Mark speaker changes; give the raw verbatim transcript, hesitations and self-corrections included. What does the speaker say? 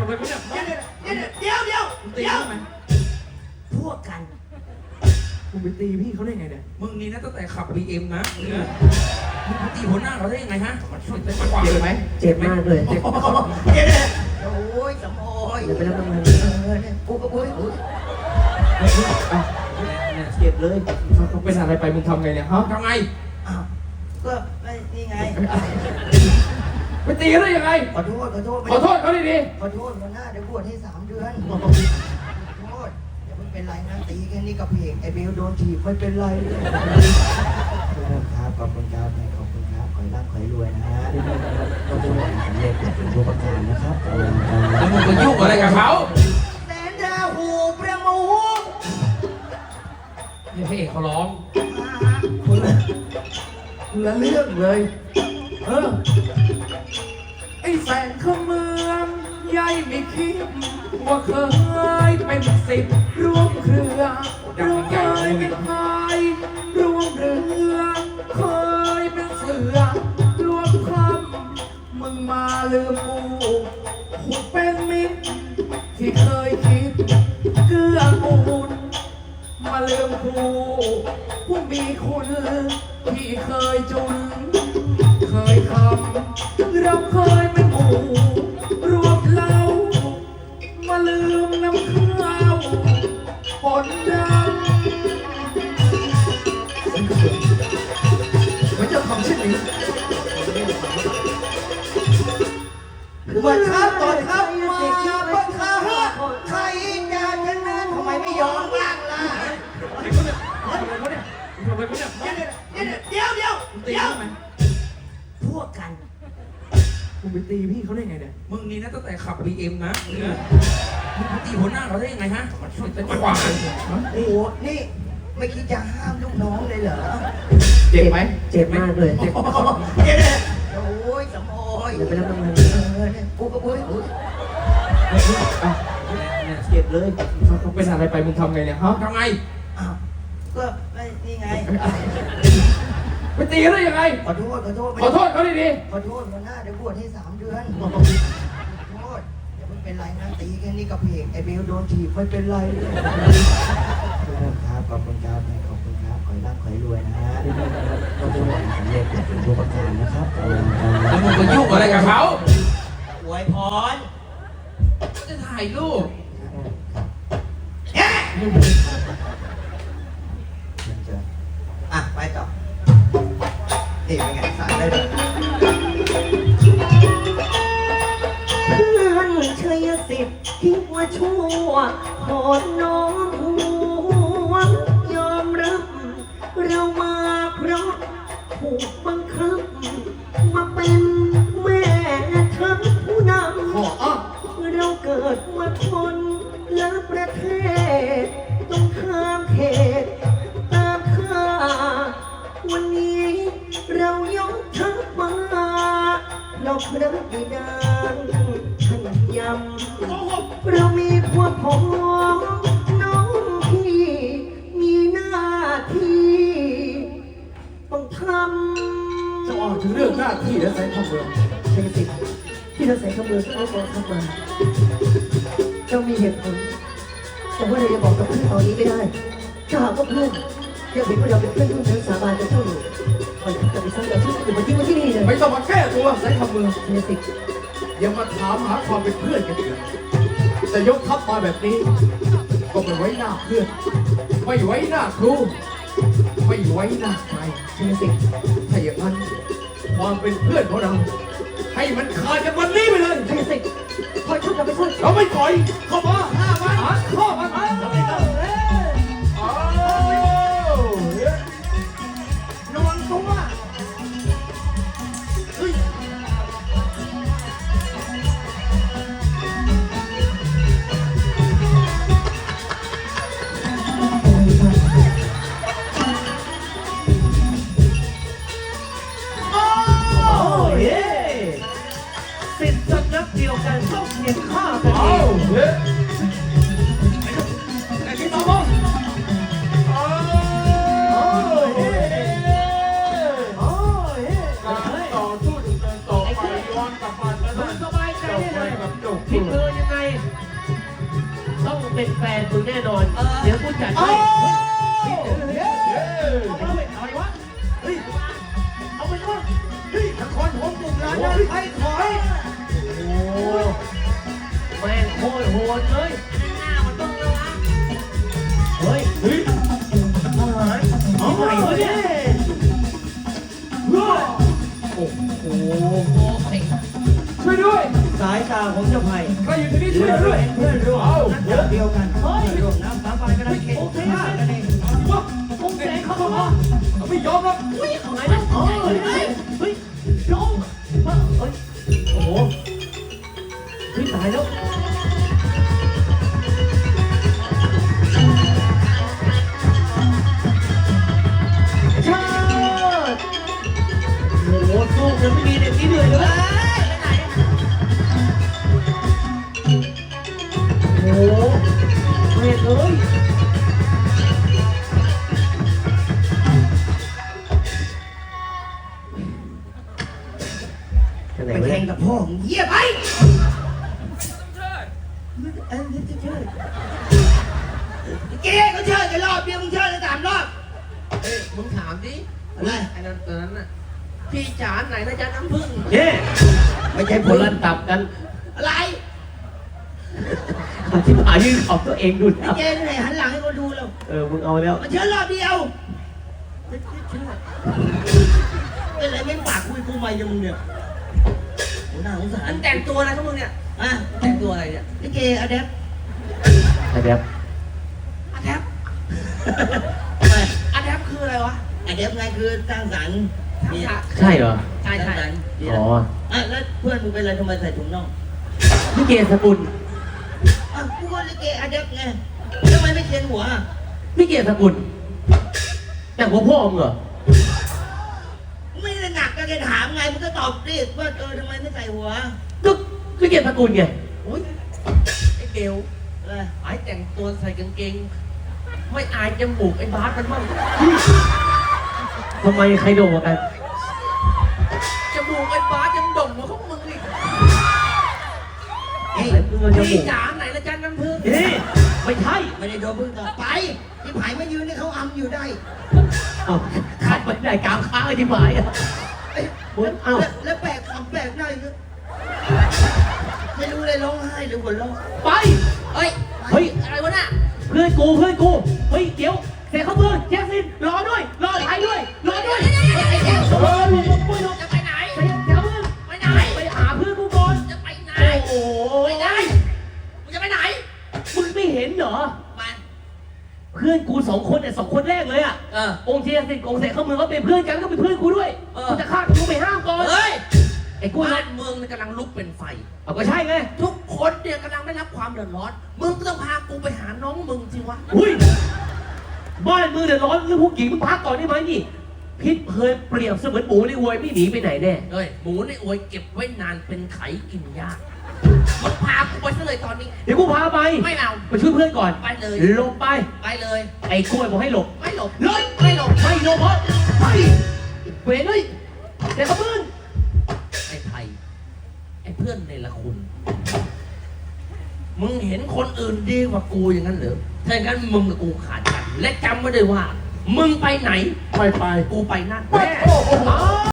Speaker 1: ำไมไม่เนี่ย
Speaker 2: เดี๋ยวเดี๋ยวเดี๋ยว
Speaker 1: ตี
Speaker 2: เดี๋ยว
Speaker 1: ทำไม
Speaker 2: พวกกัน
Speaker 1: มึงไปตีพี่เขาได้ไงเนี่ย
Speaker 3: มึงนี่นะตั้งแต่ขับ บี เอ็ม นะมึงไปตีหัวหน้าเขาได้ยังไงฮะมันช่วยได้มากกว่า
Speaker 1: เจ็บไหม
Speaker 4: เจ็บมากเลยเจ็บ
Speaker 2: เดี๋ยวเดี๋ยวโอ้ยสมโอย
Speaker 4: เดี๋ยวไปรับรางวัล
Speaker 2: เออเนี่ยกูก็โอ้ยโอ้ย
Speaker 1: เนี่ยเจ็บเลยเขาเป็นอะไรไปมึงทำไงเนี่ยฮะ
Speaker 3: ทำไง
Speaker 2: อ้าวก็ไม่นี่ไง
Speaker 1: ไปตีเขาได้ยังไง
Speaker 2: ขอโทษขอโทษ
Speaker 1: ขอโทษเขาดี
Speaker 2: ขอโทษวันหน้าเดี๋ยวบวชให้สามเดือนขอโทษเดี๋ยวไม่เป็นไรนะตีแค่นี้กับเพกไอ้เบลโดนถีบไม่เป็นไรเลยครับขอบคุณครับขอบคุณครับขอให้ร่ำขอให้รวยนะฮะขอบคุณสำเร็จเป็นตัวประกันนะครับ
Speaker 3: แล้วมึงไปยุ่งอะไรกับเขา
Speaker 2: แสนดาหูประมู
Speaker 3: นี่พระเอกเขาร้อง
Speaker 1: ๆคนละคนละเรื่องเลย เออ ไอ้แสนขเมืองใหญ่ไม่คิดว่าเคยเป็นสิบร่วมเครือเราเคยเป็นพายร่วมเรือเคยเป็นเสือร่วมคำมึงมาลืมกูกูเป็นมิตรที่เคยคิดเกื้อกูลมาลืมกูผู้มีคุณที่เคยจุนเคยคำเราเคยเป็นหมู่รวมเรามาลืมน้ำข้าวปนดำไม่จะทำเช่นนี้
Speaker 2: บังคับต่อยครับมาบังคับใครจะชนะทำไมไม่ยอมบ้างล่ะ
Speaker 1: ไอ้คนเนี่ยทำไมเขาเนี่ยทำไมเขาเนี่ย
Speaker 2: เดี๋ยวเดี๋ยวเดี๋ยว
Speaker 1: ตี
Speaker 2: เดี๋ยว
Speaker 1: ทำไม
Speaker 2: พวกกัน
Speaker 1: มึงไปตีพี่เขาได้ไงเนี่ย
Speaker 3: มึงนี่นะตั้งแต่ขับ บี เอ็ม นะมึงไปตีหัวหน้าเขาได้ยังไงฮะมันช่วยได้มากกว่า
Speaker 2: โอ้โหนี่ไม่คิดจะห้ามลูกน้องเลยเหรอ
Speaker 1: เจ็บไหม
Speaker 4: เจ็บมากเลยเจ็บ
Speaker 2: เดี๋ยวเดี๋ยวโอ้ยสมโอย
Speaker 4: เดี๋ยวไปรับรางวัล
Speaker 2: เออเนี่ยกูก็โอ้ยโอ้ย
Speaker 1: เนี่ยเจ็บเลยเขาเป็นอะไรไปมึงทำไงเนี่ยฮะ
Speaker 3: ทำไง
Speaker 2: อ้าวก็ไม่นี่ไง
Speaker 1: ไปตีเขาได้ยังไง
Speaker 2: ขอโทษขอโทษ
Speaker 1: ขอโทษเขาดี
Speaker 2: ขอโทษวันหน้าเดี๋ยวบวชให้สามเดือนขอโทษเดี๋ยวไม่เป็นไรนะตีแค่นี้กับเพกไอ้เบลโดนถีบไม่เป็นไรเลยครับขอบคุณครับขอบคุณครับขอให้ร่ำขอให้รวยนะฮะขอบคุณสำเร็จเป็นตัวประกันนะครับ
Speaker 3: แล้วมึงไปยุ่งอะไรกับเขา
Speaker 2: อวยพร
Speaker 3: จะถ่ายรูป
Speaker 2: อ่ะไปต่อนี่เป็นไงสายได้เลย
Speaker 4: เพื่อนชัยสิทธิ์ที่ว่าชั่วขอน้องหัวยอมรับ เรามาเพราะถูกบังคับ มาเป็นแม่ทัพผู้นำ
Speaker 1: ๆขออ่ะ
Speaker 4: เราเกิดมาคนละประเทศต้องข้ามเขตตามข้าวันนี้เรายกทัพมาเราพระบิดาท่านยำเรามีพวกพ้องน้องพี่มีหน้าที่ต้องทำ
Speaker 1: จะอ่านถึงเรื่องหน้าที่และแสนขเมือง
Speaker 4: ใช่สิที่เราใส่ขมือเข้ากองทัพมาเรามีเหตุผลแต่ว่าเราจะบอกกับเพื่อนตอนนี้ไม่ได้ถ้าหากว่าเพื่อนยังเห็นว่าเราเป็นเพื่อนร่วมชั้นสาบานกับเจ้าอยู่มันจะไปสร้างเราที่อื่นมาที่มาที่นี่เลย
Speaker 1: ไม่ต้องมาแก้ตัวแสนขเมือง
Speaker 4: เนสิก
Speaker 1: อย่ามาถามหาความเป็นเพื่อนกันเลยจะยกทัพมาแบบนี้ ก็ไม่ไว้หน้าเพื่อน ไม่ไว้หน้าครู ไม่ไว้หน้าใคร
Speaker 4: เนสิก
Speaker 1: ถ้าอย่างนั้นความเป็นเพื่อนของเรา ให้มันขาดกันวันนี้ไปเลย
Speaker 4: เนสิกคอยช่วยเราไปช่วย
Speaker 1: เราไม่ปล่อยเข้ามาห้ามันหาข้อมันเอาเอา
Speaker 2: ระวังตัวเฮ้ย
Speaker 4: โอ้ยสิทธิ์สำนักเดียวกันต้องเขียนข้ากันเอ
Speaker 1: เอา
Speaker 4: ง
Speaker 1: เฮ้ยไอ้ที่ต่อมาเอาเฮ้ยโอ้ยการต่อสู้ดำเนินต่อไปย้อนกลับมาแล้วนะ
Speaker 4: สบายใจได้เลย
Speaker 1: แบบจบ
Speaker 4: ที่เธอยังไงเป็นแฟนมึงแน่นอน เดี๋ยวกูจัดให้
Speaker 2: อะไรวะ เฮ้ย เอาไปด้วยเฮ้ยนครผมกลุ่มร้านนั้นไอ้ถอย
Speaker 4: โอ้แม่งโคตรโหดเลยเฮ้ย
Speaker 2: เฮ้ยทหารเอาไหนวะเนี่ยโอ้โห
Speaker 1: ช่วยด้วย
Speaker 2: สายตาของเจ้าไผ่
Speaker 1: ใครอยู่ที่นี่ช่วยด้วย
Speaker 2: เพื่อนร่วมนักจับเดียวกันเฮ้ยร่วมน้ำสาบานกันได้เก่งฆ่ากันเอง
Speaker 1: วะคงแสงเข้ามาเราไม่ยอมหรอก
Speaker 4: เฮ้ยเอาไงนะเฮ้ยเฮ้ยเฮ้ยลงเฮ้ยโอ้โหเฮ้ยตายแล้วชาติโอ้โหสู้กันไม่มีเด็กที่เหนื่อยเลยโอ้โหเฮ้ยเอ้ย
Speaker 2: ไปแข่งกับพ่อมึงเยี่ยไปเอ้ยเชิดเจ๊เขาเชิดกันรอบเดียวมึงเชิดกันสามรอบ
Speaker 3: เอ้ยมึงถามดิ
Speaker 2: อะไร
Speaker 3: ไอ้นั่นตอนนั้นน่ะพี่จ๋าไหนนะจ๊ะน้ำผึ้ง
Speaker 4: เฮ้
Speaker 2: ไม่ใช่
Speaker 4: ค
Speaker 2: ผ
Speaker 4: น
Speaker 2: ล
Speaker 4: ละตับกัน
Speaker 2: อะไร
Speaker 4: อธิบายยื่นขอบตัวเองดู
Speaker 2: ไอ้
Speaker 4: นะ
Speaker 2: เจ๊ไหนหันหลังให้คนดูแล้ว
Speaker 4: เออ มึงเอาแล้ว
Speaker 2: มันเชิดรอบเดียวเป็นไรไม่ปากคุยกูไม่ยังมึงเนี่ยโอ้น่าสงสาร
Speaker 3: อันแต่งตัวอะไรของมึงเนี่ย
Speaker 2: อ่ะ
Speaker 3: แต่งตัวอะไรเนี่ย
Speaker 2: ไอ้เกย์อะแดป
Speaker 4: อะไรแบบ
Speaker 3: อาแทบ
Speaker 2: ทำไม
Speaker 3: อาแทบคืออะไรวะ
Speaker 2: อะแดปไงคือสร้างสรรค์เนี่ย
Speaker 4: ใช่เหรอ
Speaker 3: ใช่
Speaker 2: สร้าง
Speaker 3: ใช่
Speaker 2: สรรค์เนี่ย
Speaker 4: อ๋อ
Speaker 2: อ่ะแล้วเพื่อนมึงเป็นอะไรทำไมใส่ถุงน่อง
Speaker 4: พี่เกศสกุล
Speaker 2: อ่ะกูก็เลยเกย์อะแดปไงทำไมไม่เขียนหัวอ่ะ
Speaker 4: พี่เกศสกุลแต่หัวพ่อมึงเหรอ
Speaker 2: ไม่ได้หนักก็แค่ถามไงมึงก็ตอบดิว่าเออทำไมไม่ใส่หัว
Speaker 4: ก็พี่เกศสกุลไง
Speaker 3: โอ้ยไอ้เบล
Speaker 2: อะไร
Speaker 3: ไอ้แต่งตัวใส่กางเกง ไม่อายจมูกไอ้บาสมันบ้าง
Speaker 4: ทำไมใครโดนกว่ากัน
Speaker 3: จมูกไอ้บาสยังด่งกว่าของมึงอีก
Speaker 2: เฮ้ย
Speaker 4: มึงเอาจมู
Speaker 3: พี่
Speaker 4: ก
Speaker 3: จ๋าไหนละจ๊ะน้ำผึ้ง
Speaker 4: เฮ้ยไม่ใช่
Speaker 2: ไม่ได้โดนพึ่งต่อไปที่ผายมายืนนี่เขาอำอยู่ได้
Speaker 4: เอ้าขับไปไหนกลางค้างไอ้ที่หมายอ่ะ
Speaker 2: เอ้ย
Speaker 4: มึงเอ้า
Speaker 2: แล้วแล้วแปลกคำแปลกหน้าอีกนะไม่รู้เลยร้องไห้หรือหัวเราะ
Speaker 4: ไป
Speaker 3: เฮ้ย
Speaker 4: เฮ้ย
Speaker 3: อะไรวะน่ะ
Speaker 4: เพื่อนกูเพื่อนกู เฮ้ยเดี๋ยวเสียเขาเพื่อนแจ็คสินรอด้วย รอถ่ายด้วย รอด้วยเฮ้ยเดี๋ยวเฮ้ยมึงมึงมึง
Speaker 3: จะไปไหน
Speaker 4: ไปเดี๋ยวมึง
Speaker 3: ไปไหน
Speaker 4: ไปหาเพื่อนกูก่อน
Speaker 3: จะไปไหน
Speaker 4: โอ้โห
Speaker 3: ไปไหนมึงจะไปไหน
Speaker 4: มึงไม่เห็นเหรอ
Speaker 3: มา
Speaker 4: เพื่อนกูสองคนเนี่ยสองคนแรกเลยอ่ะ
Speaker 3: เออ
Speaker 4: องค์เทียสิทธิ์องค์เสกเขาเมืองก็เป็นเพื่อนกันก็เป็นเพื่อนกูด้วย
Speaker 3: เออ
Speaker 4: กูจะฆ่ากูไปห้ามก่อน
Speaker 3: เฮ้ย
Speaker 4: ไอ้กู
Speaker 3: บ้า
Speaker 4: นะ
Speaker 3: นเมืองเนี่ยกำลังลุกเป็นไฟ
Speaker 4: เอาก็ใช่ไง
Speaker 3: ทุกคนเนี่ยกำลังได้รับความเดือดร้อน มึงก็ต้องพากูไปหาน้องมึงสิวะ
Speaker 4: อุ้ยบ้านมึงเดือดร้อนเรื่องพวกหญิงมึงพักก่อนได้ไหมนี่พิษเพลินเปรียบเสมือนหมูในอวยไม่หนีไปไหนแน่
Speaker 3: เฮ้ย หมูในอวยเก็บไว้นานเป็นไขกินยาก มึงพากูไปซะเลยตอนนี้
Speaker 4: เดี๋ยวกูพาไป
Speaker 3: ไม่เอา
Speaker 4: ไปช่วยเพื่อนก่อน
Speaker 3: ไปเลย
Speaker 4: หลบไป
Speaker 3: ไปเลย
Speaker 4: ไอ้กล้วยบอกให้หลบ
Speaker 3: ไม่หลบ
Speaker 4: หลบ
Speaker 3: ไม่หลบ
Speaker 4: ไม่หลบเพราะไปเวรเลยแต่เขาเพื่อน
Speaker 3: ไอ้ไทย ไอ้เพื่อนในละคุณ มึงเห็นคนอื่นดีกว่ากูอย่างนั้นเหรอถ้าอย่างนั้นมึงกับกูขาดกัน และจำไว้ด้วยว่า มึงไปไหน
Speaker 1: ไปไป
Speaker 3: กูไปนั่น
Speaker 1: ไปโอ้โห